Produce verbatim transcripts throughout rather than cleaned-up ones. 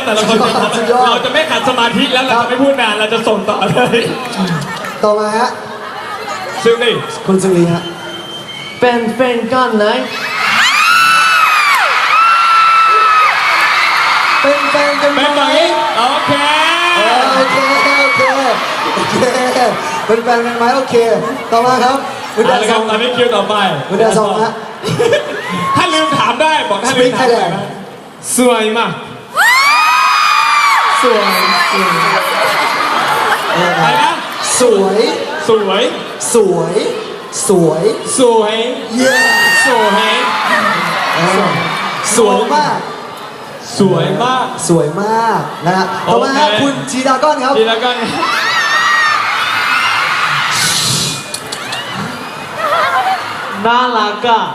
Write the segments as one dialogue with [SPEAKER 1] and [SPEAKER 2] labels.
[SPEAKER 1] แต่ละคนเราจะไม่ขัดสมาธิแล้วเราจะไม่พูดนานเราจะส่งต่อเลย
[SPEAKER 2] ต่อมาฮะ
[SPEAKER 1] ซึ่งนี่
[SPEAKER 2] คุณสุรีฮะ
[SPEAKER 3] เป็นแฟนกันไหน
[SPEAKER 2] เป็นแฟนกันไหม
[SPEAKER 1] โอเค
[SPEAKER 2] โอเคโอเคโอเคเป็นแฟนกันไหมโอเคต่อมาครับ
[SPEAKER 1] วิดาซองตอนนี้คิวต่อไป
[SPEAKER 2] วิดาซองฮะ
[SPEAKER 1] ถ้าลืมถามได้บอกถ้าลืมถามได้สวยมากสวยสวยอะไรนะ
[SPEAKER 2] สวย
[SPEAKER 1] สวย
[SPEAKER 2] สวยสวย
[SPEAKER 1] สวย
[SPEAKER 2] เย้
[SPEAKER 1] สวย
[SPEAKER 2] สวยมาก
[SPEAKER 1] สวยมาก
[SPEAKER 2] สวยมากนะฮะต่อมาฮะคุณจีดาก้อนครับ
[SPEAKER 1] จีดาก้อน
[SPEAKER 3] น่ารักอ่ะ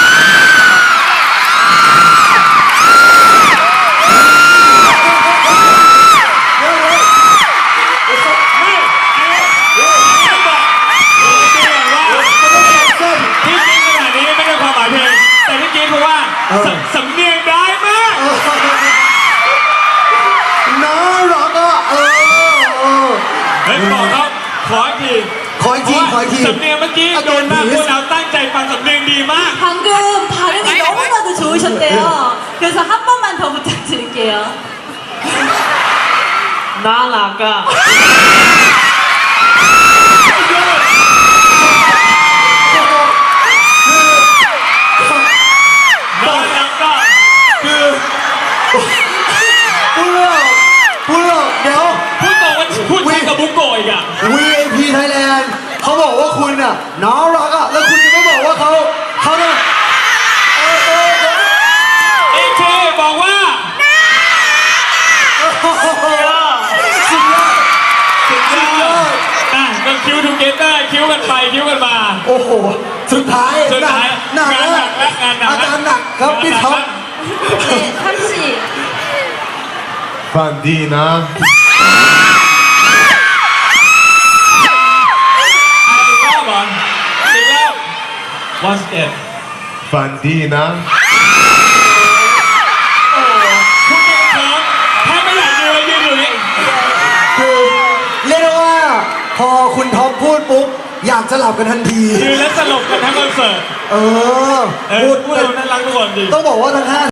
[SPEAKER 1] สำเนียงได้มาก
[SPEAKER 2] น่ารักอ่ะเออ
[SPEAKER 1] เฮ้ยบอกเขาขออีกที
[SPEAKER 2] ขออีกทีขออีกที
[SPEAKER 1] สำเนียงเมื่อกี้โดนมากพวกเราตั้งใจฟังสำเนียงดีมาก
[SPEAKER 4] 방금발음이너무나도좋으셨대요그래서한번만더부탁드릴게요
[SPEAKER 3] น่ารักอ่ะ
[SPEAKER 2] พูดหรอกเดี๋ยว
[SPEAKER 1] พูดบอกว่าพูดชัดกับบุกโกอีกอ่ะ
[SPEAKER 2] วี ไอ พี Thailand เขาบอกว่าคุณอ่ะน่ารักอ่ะแล้วคุณยังไม่บอกว่าเขาเขาเนี่ย
[SPEAKER 1] เอเจบอกว่า
[SPEAKER 2] สุดยอด
[SPEAKER 1] สุดยอดอ่ะก็คิวทูเกเตอร์คิวกันไปคิวกันมา
[SPEAKER 2] โอ้โหสุดท้าย
[SPEAKER 1] สุดท้าย
[SPEAKER 2] หนัก
[SPEAKER 1] งานหนักและงานหนัก
[SPEAKER 2] อาการหนักครับพี่ท็อป
[SPEAKER 4] 네 삼씨
[SPEAKER 5] ฝันดีนะ
[SPEAKER 1] อีกรอบเหรออีกรอบ once again
[SPEAKER 5] ฝันดีนะ
[SPEAKER 1] คุณเก่งครับถ้าไม่อยากยืนยืนอยู่นี่
[SPEAKER 2] คือเรียกได้ว่าพอคุณท็อปพูดปุ๊บอยากจะหลับกันทันที
[SPEAKER 1] ยืนแล้วสลบกันทั้งคอนเสิร์ต
[SPEAKER 2] เออ
[SPEAKER 1] พูดพูดน่ารักทุกคนดี
[SPEAKER 2] ต้องบอกว่าทั้งห้า